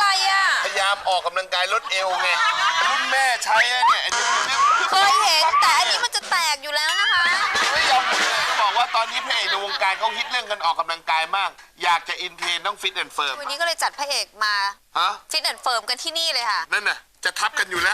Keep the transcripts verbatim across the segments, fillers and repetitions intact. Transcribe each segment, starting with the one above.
อ่ะพยายามออกกำลังกายลดเอวไงรุ่นแม่ใช้เนี่ยเคยเห็นแต่อันนี้มันจะแตกอยู่แล้วนะคะไม่ยอมหยุดเลยก็บอกว่าตอนนี้พระเอกในวงการเขาฮิตเรื่องการออกกำลังกายมาก อยากจะอินเทรนต้องฟิตแอนด์เฟิร์มวันนี้ก็เลยจัดพระเอกมาฮะฟิตแอนด์เฟิร์มกันที่นี่เลยค่ะนั่นน่ะจะทับกันอยู่แล้ว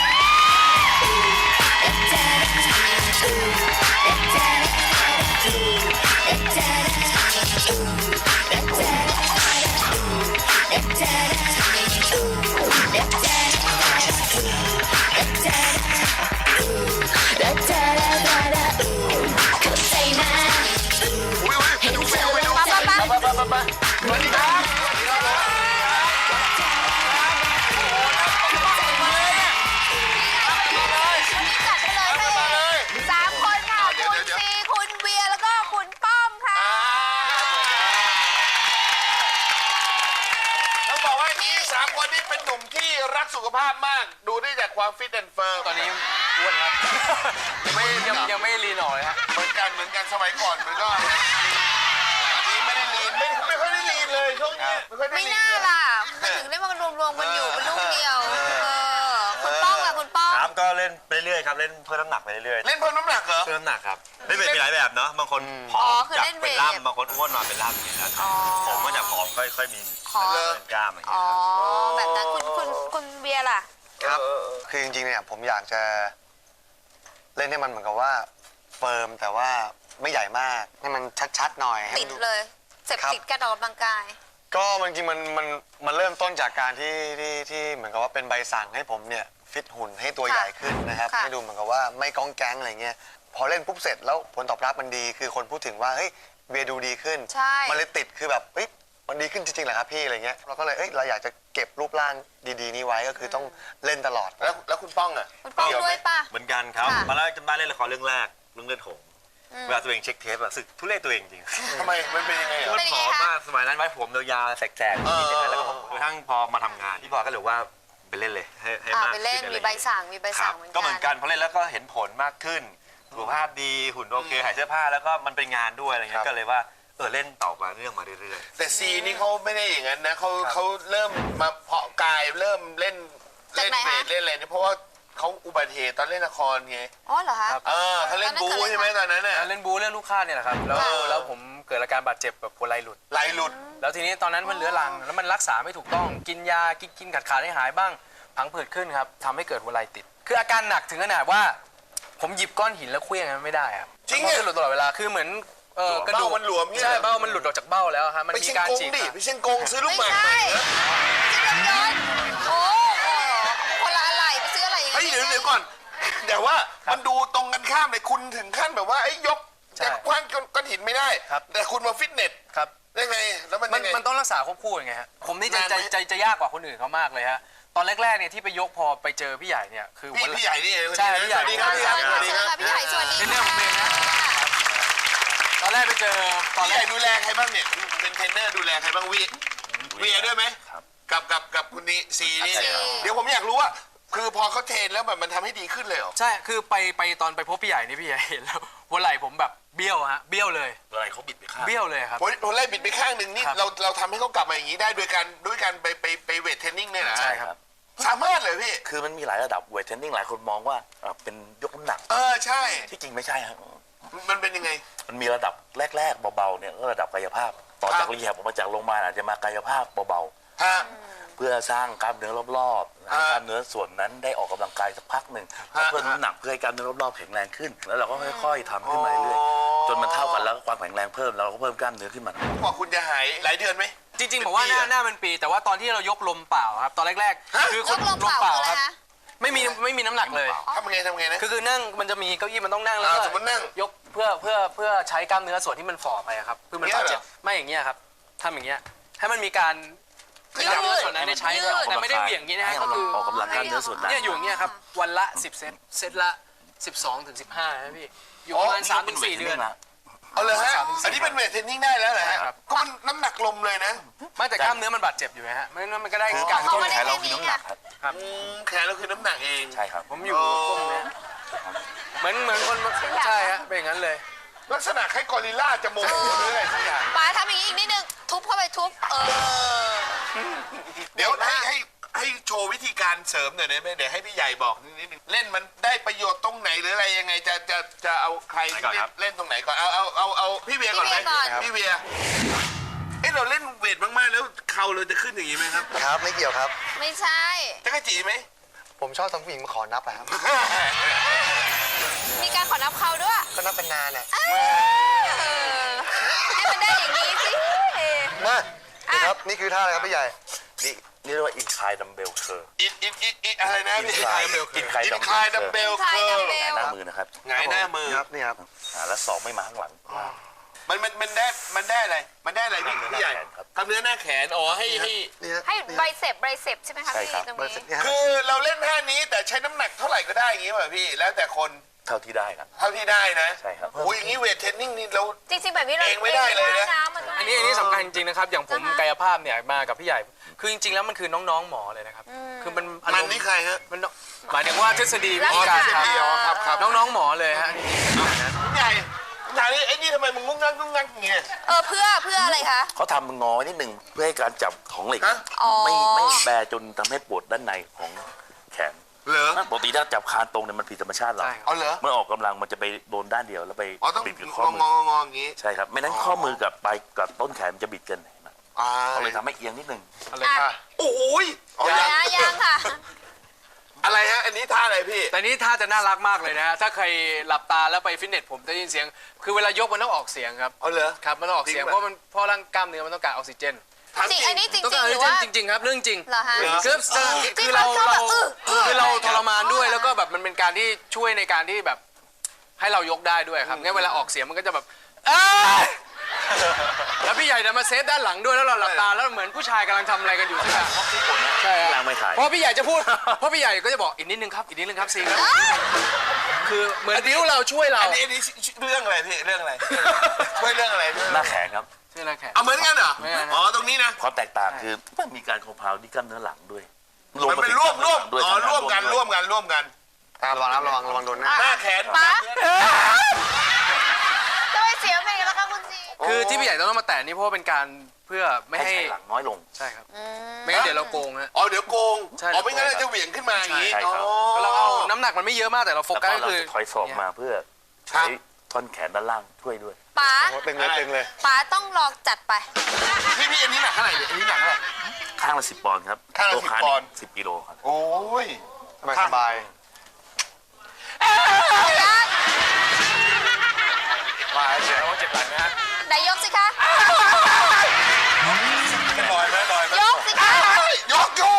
สุขภาพมากดูได้จากความฟิตแอนด์เฟิร์มตอนนี้อ้วนครับไม่ยังยังไม่ลีนออกเลยฮะเหมือนกันเหมือนกันสมัยก่อนมันก็อันนี้ไม่ได้ลีนไม่ไม่ค่อยได้ลีนเลยช่วงนี้ไม่ค่อยได้ลีนไม่น่าล่ะมันถึงได้มารวมๆกันอยู่เป็นลูกเดียวคุณป้องล่ะคุณป้องครับก็เล่นไปเรื่อยครับเล่นเพิ่มน้ำหนักไปเรื่อยเล่นเพิ่มน้ำหนักเหรอเพิ่มน้ำหนักครับเล่นเวทมีหลายแบบเนาะบางคนผอมจากเป็นล่ำบางคนอ้วนมาเป็นล่ำอย่างเงี้ยครับผมก็จากผอมค่อยๆมีเป็นกล้ามอย่างเงี้ยครับแบบนั้นคุณคุณคุณเบียร์ล่ะครับคือจริงๆเนี่ยผมอยากจะเล่นให้มันเหมือนกับว่าเฟิร์มแต่ว่าไม่ใหญ่มากให้มันชัดๆหน่อยติดเลยเสพติดการออกกำลังกายก็มันจริงมันมันมันเริ่มต้นจากการที่ที่ที่เหมือนกับว่าเป็นใบสั่งให้ผมเนี่ยฟิตหุ่นให้ตัวใหญ่ขึ้นนะครับให้ดูเหมือนกับว่าไม่ก้องแก๊งอะไรเงี้ยพอเล่นปุ๊บเสร็จแล้วผลตอบรับมันดีคือคนพูดถึงว่าเฮ้ยเบียร์ดูดีขึ้นมันเลยติดคือแบบเฮ้ยมันดีขึ้นจริงๆเหรอครับพี่อะไรเงี้ยเราก็เลยเอ้ยเราอยากจะเก็บรูปร่างดีๆนี้ไว้ก็คือต้องเล่นตลอดแล้วแล้วคุณป้องอ่ะคุณป้องด้วยป่ะเหมือนกันครับมาแล้วจำได้เล่นละครเรื่องแรกเรื่องเลือดหงส์เวลาตัวเองเช็คเทปอะสึกทุเรศตัวเองจริงทำไมมันเป็นยังไงมันผอมมากสมัยนั้นไว้ผมยาวๆแสกๆนิดๆแล้วก็กระทั่งพอมาทำงานพี่บอยก็เลยว่าไปเล่นเลยให้ให้มากไปเล่นมีใบสั่งมีใบสั่งเหมือนกันก็เหมือนกันพอเล่นแล้วก็เห็นผลมากขึ้นสุขภาพดีหุ่นโอเคหายเสื้อผ้าแล้วก็มันเป็นงานด้วยอะไรเงี้ยก็เลยว่าเออเล่นต่อมาเรื่องมาเรื่อยๆแต่ซีนี่เขาไม่ได้อย่างนั้นนะเขาเขาเริ่มมาเพาะกายเริ่มเล่นเล่นเวทเล่นอะไรนี่เพราะว่าเขาอุบัติเหตุตอนเล่นละครไงอ๋อเหรอคะเออเขาเล่นบูใช่ไหมตอนนั้นน่ะเล่นบูเล่นลูกค้าเนี่ยแหละครับแล้วแล้วผมเกิดอาการบาดเจ็บแบบหัวไหล่หลุดไหล่หลุดแล้วทีนี้ตอนนั้นมันเรื้อรังแล้วมันรักษาไม่ถูกต้องกินยากินกินขาดขาดให้หายบ้างพังผืดขึ้นครับทำให้เกิดหัวไหล่ติดคืออาการหนักถึงขนาดว่าผมหยิบก้อนหินแล้วเคลื่อนไม่ได้ครับจริงๆมันหลุดตลอดเวลาคือเหมือนเออกระดูกมันหลวมใช่เบ้ามันหลุดออกจากเบ้าแล้วครับมันมีการฉีกดิพี่เชงกงซื้อลูกหมากใช่โอ้คนละอะไรไปซื้ออะไรอย่างเฮ้ยเดี๋ยวเดี๋ยวก่อนแต่ว่ามันดูตรงกันข้ามเลยคุณถึงขั้นแบบว่าไอ้ยกแต่คว้างก้อนหินไม่ได้แต่คุณมาฟิตเนสครับได้ไงแล้วมันยังไงมันต้องรักษาควบคู่ยังไงฮะผมนี่จะจะจะยากกว่าคนอื่นเขามากเลยฮะตอนแรกๆเนี่ยที่ไปยกพอไปเจอพี่ใหญ่เนี่ยคือพี่พี่ใหญ่นี่เองใช่พี่ใหญ่สวัสดีครับพี่ใหญ่สวัสดีครับพี่ใหญ่สวัสดีเป็นเรื่องของเองนะตอนแรกไปเจอตอนแรกดูแลใครบ้างเนี่ยเป็นเทรนเนอร์ดูแลใครบ้างวีวีด้วยไหมกับกับกับคุณนี่ซีนี่เดี๋ยวผมอยากรู้ว่าคือพอเขาเทรนแล้วแบบมันทำให้ดีขึ้นเลยเหรอใช่คือไปไปตอนไปพบพี่ใหญ่นี่พี่ใหญ่เห็นแล้วหัวไหล่ผมแบบเบี้ยวฮะเบี้ยวเลยหัวไหล่เขาบิดไปข้างเบี้ยวเลยครับหัวไหล่บิดไปข้างหนึ่งนี่เราเราทำให้เขากลับมาอย่างนี้ได้ด้วยการด้วยการไปไปไปเวทเทรนนิ่งเนี่ยนะใช่ครับสามารถเลยพี่คือมันมีหลายระดับเวทเทรนนิ่งหลายคนมองว่าเป็นยกน้ำหนักเออใช่ที่จริงไม่ใช่ครับมันเป็นยังไงมันมีระดับแรกๆเบาๆเนี่ยก็ระดับกายภาพต่อจากรีแฮบออกมาจากโรงพยาบาลอาจจะมากายภาพเบาๆเพื่อสร้างกล้ามเนื้อรอบๆให้กล้ามเนื้อส่วนนั้นได้ออกกำลังกายสักพักหนึ่งเพิ่มน้ำหนักเพื่อให้กล้ามเนื้อรอบๆแข็งแรงขึ้นแล้วเราก็ค่อยๆทำขึ้นมาเรื่อยๆจนมันเท่ากันแล้วความแข็งแรงเพิ่มแล้วเราก็เพิ่มกล้ามเนื้อขึ้นมากว่าคุณจะหายหลายเดือนไหมจริงๆบอกว่าหน้าหน้าเป็นปีแต่ว่าตอนที่เรายกลมเปล่าครับตอนแรกๆคือคนลมเปล่าครับไม่มีไม่มีน้ำหนักเลยทำไงทำไงนะคือคือนั่งมันจะมีเก้าอี้มันต้องนั่งแล้วก็ยกเพื่อเพื่อเพื่อใช้กล้ามเนื้อส่วนที่มันฝ่อไปครับเพื่อมันบาดเจ็บไม่อย่างเงี้ยครับทำอย่างเงี้ยให้มันมีการกล้ามเนื้อส่วนนั้นได้ใช้แต่ไม่ได้เหวี่ยงอย่างนี้นะก็คือออกกำลังกล้ามเนื้อส่วนนั้นเนี่ยอยู่อย่างเงี้ยครับวันละสิบเซตเซตละสิบสองถึงสิบห้านะพี่อยู่ประมาณสามถึงสี่เดือนเอาเลยฮะอันนี้เป็นเวทเทรนนิ่งได้แล้วเหรอครับก็มันน้ำหนักลมเลยนะไม่แต่กล้ามเนื้อมันบาดเจ็บอยู่ฮะไม่งั้นมันก็ได้การต้นแขนเราคือน้ำหนักครับแขนเราคือน้ำหนักเองใช่ครับผมอยู่ก้มเนี้ยเหมือนเหมือนคนใช่ฮะเป็นอย่างนั้นเลยลักษณะคล้ายกอริลลาจะโมโหหรืออะไรสักอย่างป๋าทำอย่างนี้อีกนิดนึงทุบเข้าไปทุบเออเดี๋ยวให้ให้ให้โชว์วิธีการเสริมหน่อยได้ไหมเดี๋ยวให้พี่ใหญ่บอกนิดนึงเล่นมันได้ประโยชน์ตรงไหนหรืออะไรยังไงจะจะจะเอาใครที่เล่นเล่นตรงไหนก่อนเอาเอาเอาเอาพี่เวียก่อนไหมพี่เวียเอ้เราเล่นเวทมากๆแล้วเข่าเราจะขึ้นอย่างนี้ไหมครับครับไม่เกี่ยวครับไม่ใช่จะกระจีไหมผมชอบทำผู้หญิงมาขอนับอะครับมีการขอนับเขาด้วยก็นับเป็นนานอะเออให้มันได้อย่างนี้สิมานี่ครับนี่คือท่าอะไรครับพี่ใหญ่นี่นี่เรียกว่าอินคลายดัมเบลเคอร์อินอินอินอินอะไรนะอินพี่คลายอินคลายอินดัมคลายดัมเบเบลลเคิร์คลายดัมเบลหน้ามือนะครับไงหน้ามือครับนี่ครับอ่าแล้วศอกไม่มาข้างหลังมันมันมันได้มันได้อะไรมันได้อะไรพี่พี่ใหญ่ครับกล้ามเนื้อหน้าแขนอ๋อให้ให้นี่ฮะให้ไบเซปไบเซปใช่ไหมคะใช่พี่ครับตรงเบอร์นี้สิบเนี่ยฮะคือเราเล่นท่านี้แต่ใช้น้ำหนักเท่าไหร่ก็ได้อย่างงี้ป่ะพี่แล้วแต่คนเท่าที่ได้ครับเท่าที่ได้นะใช่ครับโอ้ยอย่างนี้เวทเทรนนิ่งนี่เราจริงๆแบบนี้เราเองไม่ได้เลยนะมันต้องอันนี้อันนี้สำคัญจริงๆนะครับ อย่างผมนะคะกายภาพเนี่ยมากับพี่ใหญ่ คือจริงๆแล้วมันคือน้องๆหมอเลยนะครับ คือมันอารมันมณ์นี่ใครฮะมันหมายถึงว่าทฤษฎีวิรักธีการษาครับอ๋อครับครับน้องๆหมอเลยฮะพี่ใหญ่พี่ใหญ่ไอ้นี่ทำไมมึงงุ้งงักงุ้งงักอย่างเงี้ยเออเพื่อเพื่ออะไรคะเขาทำมึงงอไว้นิดหนึ่งเพื่อให้การจับของเหล็กฮะอ๋อไม่ไม่แบจนทำให้ปวดด้านในของแขนเหรอปกติถ้าจับคานตรงเนี่ยมันผิดธรรมชาติเราใช่ครับเอาเหรอเมื่อออกกำลังมันจะไปโดนด้านเดียวแล้วไปอ๋อต้องบิดกับงข้ออมืงอองออย่างงี้ใช่ครับไม่นั้นข้อมือกับปลายกับต้นแขนมันจะบิดกันเห็นไหมอ่าก็เลยทำให้เอียงนิดหนึงอะไรอ่ะค่ะโอ้ยอ๋อยัยังงยังค่ะอะไรฮะอันนี้ท่าอะไรพี่แต่นี้ท่าจะน่ารักมากเลยนะฮะ ถ้าใครหลับตาแล้วไปฟิตเนสผมจะได้ยินเสียง คือเวลายกมันต้องออกเสียงครับเอาเหรอครับ มันต้องออกเสียงจริงเพปะราะมันเพราะร่างกล้ามเนื้อมันต้องการออกซิเจนถามจริงอันนี้จริงต้องจริกาง รอหอกรืซิอเจนว่าจริง ๆ ครับเรื่องจริงเหรอฮะคือจริคืงอเรามันชอบเราแบบอื้ออื้อคือเราทรมานด้วยแล้วก็แบบมันเป็นการที่ช่วยในการที่แบบให้เรายกได้ด้วยครับงั้นเวลาออกเสียงมันก็จะแบบเอ้ยแล้วพี่ใหญ่จะมาเซฟด้านหลังด้วยแล้วเราหลับตาแล้วเหมือนผู้ชายกำลังทำอะไรกันอยู่ใช่ไหมใช่ฮะล้างไม่ถ่ายเพราะพี่ใหญ่จะพูด เพราะพี่ใหญ่ก็จะบอกอีกนิดนึงครับอีกนิดนึงครับซีครับคือเหมือนบิ้วเราช่วยเราอันนี้อันนี้เรื่องอะไรพี่เรื่องอะไรช่วยเรื่องอะไรพี่หน้าแขนครับช่วยอะไรแขกเอาเหมือนกันเหรอไม่ไม่อ๋อตรงนี้นะความแตกต่างคือมันมีการคอมเพลที่กล้ามเนื้อหลังด้วยมันเป็นร่วมร่วมด้วยอ๋อร่วมกันด้วยร่วมกันร่วมกันอ่าระวังนะระวังระวังโดนหน้าหน้าแขนป๊าทำไมเสียงเป็นอย่างนี้ล่ะคะคุณจีคือที่พี่ใหญ่ต้องมาแตะนี่เพราะว่าเป็นการเพื่อไม่ให้ให้ใช้หลังน้อยลงใช่ครับไม่งั้นเดี๋ยวเราโกงฮะอ๋อเดี๋ยวโกงใช่อ๋อไม่งั้นเราจะเหวี่ยงขึ้นมาอย่างนี้ใช่ครับอ๋อเราเอาน้ำหนักมันไม่เยอะมากแต่เราโฟแล้วกัสก็ก็เราคือจะถอยศอกมาเพื่อครัใช้บท่อนแขนด้านล่างช่วยด้วยป๊าโอ้ตึงเลยตึงเลยป๊าต้องลองจัดไปพี่พี่อันนี้หนักเท่าไหร่เนี่ยอันนี้หนักเท่าไหร่ข้างละสิบปอนด์ครับข้างละตัวสิบขาปอนด์สิบกิโลครับโอ้ยสบายสบายมาเสียว่าเจ็บหลังนะฮะไหนยกสิคะลอยไหมลอยไหมยกสิคะยกอยู่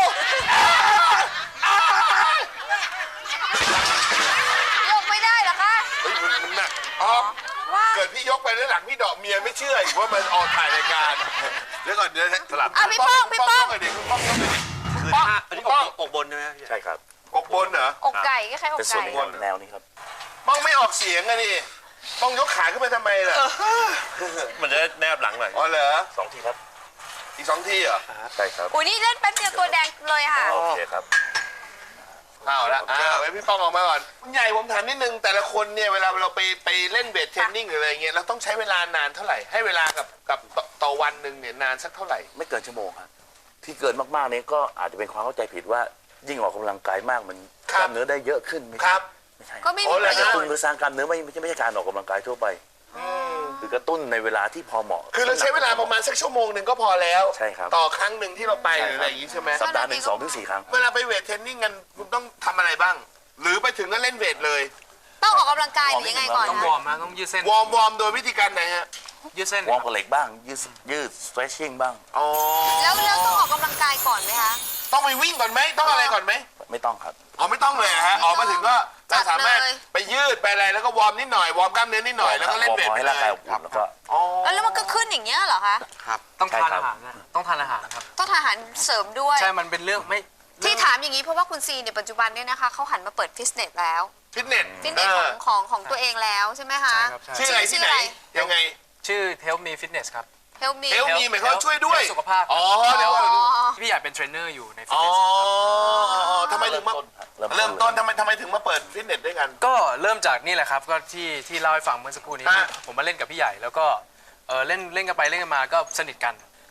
ยกไม่ได้เหรอคะเฮ้ยมันมันหนักอ๋อว่าเกิดพี่ยกไปแล้วหลังพี่ดอกเมียไม่เชื่ออีกว่ามันออกถ่ายรายการเดี๋ยวก่อนเดี๋ยวสลับอ่ะพี่ป้องพี่ป้องหน่อยดิพี่ป้องหน่อยดิคือป้องท่าอันนี้พี่ป้องอกบนใช่ไหมใช่ครับอกบนเหรออกไก่ก็คล้ายๆอเป็นกส่วนไก่ของแนวนี้ครับป้องไม่ออกเสียงอะนี่ป้องยกขาขึ้นไปทำไมล่ะมันจะแนบหลังหน่อยอ๋อเหรอสองทีครับอีกสองทีเหรอใช่ครับอุ้ยนี่เล่นแป๊บเดียวตัวแดงเลยค่ะโอเคครับเอาละอ่าไว้พี่ป้องออกมาก่อนคุณใหญ่ผมถามนิดนึงแต่ละคนเนี่ยเวลาเราไปไปเล่นเวทเทรนนิ่งหรืออะไรเงี้ยเราต้องใช้เวลานานเท่าไหร่ให้เวลากับกับต่อต่อวันหนึ่งเนี่ยนานสักเท่าไหร่ไม่เกินชั่วโมงครับที่เกินมากๆเนี่ยก็อาจจะเป็นความเข้าใจผิดว่ายิ่งออกกำลังกายมากมันครับกล้ามเนื้อได้เยอะขึ้นไม่คใช่รับไม่ใช่ก็ไม่โอ้มีเหรปอระโยกระชตุ้นน์หรือสร้างกล้ามเนื้อไม่ไม่ใช่ไม่ใช่การออกกำลังกายทั่วไปคือกระตุ้นในเวลาที่พอเหมาะคือเราใช้เวลาประมาณสักชั่วโมงหนึ่งก็พอแล้วใช่ครับต่อครั้งหนึ่งที่เราไปหใช่รือคอะไรรับอย่างงี้ใช่ไหมสัปดาห์หนึ่งสองถึงสี่ครั้งเวลาไปเวทเทรนนิ่งกันคุณต้องทำอะไรบ้าง หรือไปถึงก็เล่นเวทเลยต้องออกกำลังกายหรือยังไงก่อนต้องวคะอร์มนะต้องยืดเส้นวอร์มวอร์มโดยวิธีการไหนฮะยืดเส้นวอร์มกับเหล็กบ้าง ยืดยืด stretching บ้างอ๋อแล้วแล้วต้องออกกำลังกายก่อนไหมคะต้องไปวิ่งก่อนไหมต้องอะไรก่อนไหมไม่ต้องครับอ๋อไม่ต้องเลยเหรอฮะออกมาถึงก็จัเราดสามารถเลยไปยืดไปอะไรแล้วก็วอร์มนิดหน่อยวอร์มกล้ามเนื้อนิดหน่อยแล้วก็เล่นเวทวอร์มไปให้เลร่างกายยอบอุ่นแล้วก็อ๋อแล้วมันก็ขึ้นอย่างเงี้ยเหรอคะต้องใช่ทานครับอาหารนะต้องทานอาหารครับต้องทานอาหารเสริมด้วยใช่มันเป็นเรื่องไม่ที่ถามอย่างนี้เพราะว่าคุณซีเนี่ยปัจจุบันเนี่ยนะคะเขาหันมาเปิดฟิตเนสแล้วฟิตเนสฟิตเนสของของของตัวเองแล้วใช่ไหมคะใช่ครับใช่ชื่ออะไรที่ไหนยังไงชื่อ Help Me Fitness ครับ Help me เฮลมีหมายความว่าช่วยด้วยสุขภาพอ๋อเดี๋ยวอ๋อพี่ใหญ่เป็นเทรนเนอร์อยู่ในฟิตอ๋อเนสทำไมถึงมา เริ่มต้นทำไมทำไมถึงมาเปิดฟิตเนสด้วยกันก็เริ่มจากนี่แหละครับก็ที่ที่เล่าให้ฟังเมื่อสักครู่นี้ฮะผมมาเล่นกับพี่ใหญ่แล้วก็เออเล่นเล่นกันไปเล่นกันมาก็สนิทกัน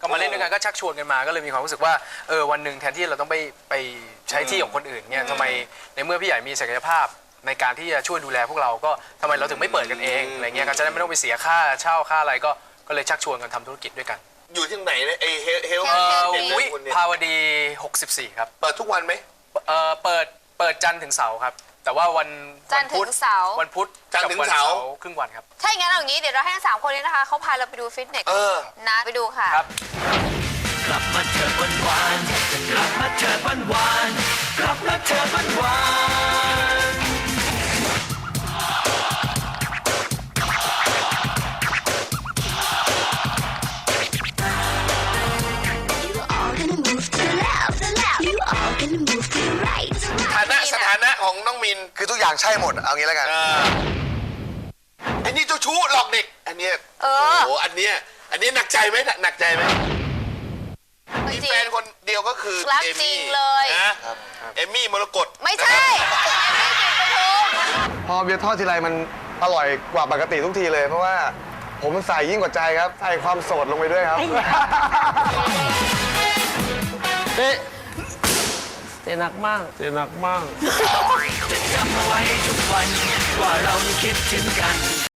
ก็มาเล่นด้วยกันก็ชักชวนกันมาก็เลยมีความรู้สึกว่าเออวันหนึ่งแทนที่เราต้องไปไปใช้ที่ของคนอื่นเนี่ยทำไมในเมื่อพี่ใหญ่มีศักยภาพในการที่จะช่วยดูแลพวกเราก็ทำไมเราถึงไม่เปิดกันเองอะไรเงี้ยก็จะได้ไม่ต้องไปเสียค่าเช่าค่าอะไรก็ก็เลยชักชวนกันทำธุรกิจด้วยกันอยู่ที่ไหนเนี่ยไอเฮลเฮลเอ่อเด็กวิคุณเนี่ยภาวดีหกสิบสี่ครับเปิดทุกวันไหมเอ่อเปิดเปิดจันทร์ถึงเสาร์ครับแต่ว่าวันจันทร์ถึงเสาร์วันพุธจันทร์ถึงเสาร์กับวันครึ่งวันครับถ้าอย่างนั้นเอาอย่างนี้เดี๋ยวเราให้ทั้งสามคนนี้นะคะเขาพาเราไปดูฟิตเนสเออนะไปดูค่ะครับกลับมาเถิดวันวานกลับมาเถิดวันวานกลับมาเถิดวันวาน You all gonna move to the left, the left. You all gonna move to the right. ฐานะสถานะของน้องมินคือทุกอย่างใช่หมดเอางี้แล้วกันเออไอ้นี่เจ้าชู้หลอกเด็ก อันเนี้ยเอโอ้อโหอันเนี้ยอันนี้หนักใจไหมหนักใจไหมมีจริแฟงนคนเดียวก็คือรักเอจริมี่งเลยนะเอมี่มรกตไม่ใช่ไม่กินกระทุมพอเบียร์ทอดทีไรมันอร่อยกว่าปกติทุกทีเลย เพราะว่าผมใส่ยิ่งกว่าใจครับใส่ความโสดลงไปด้วยครับเตะเตะหนักมากเตะหนักมากจะจำเอาไว้ทุกวันว่าเรายังคิดถึงกัน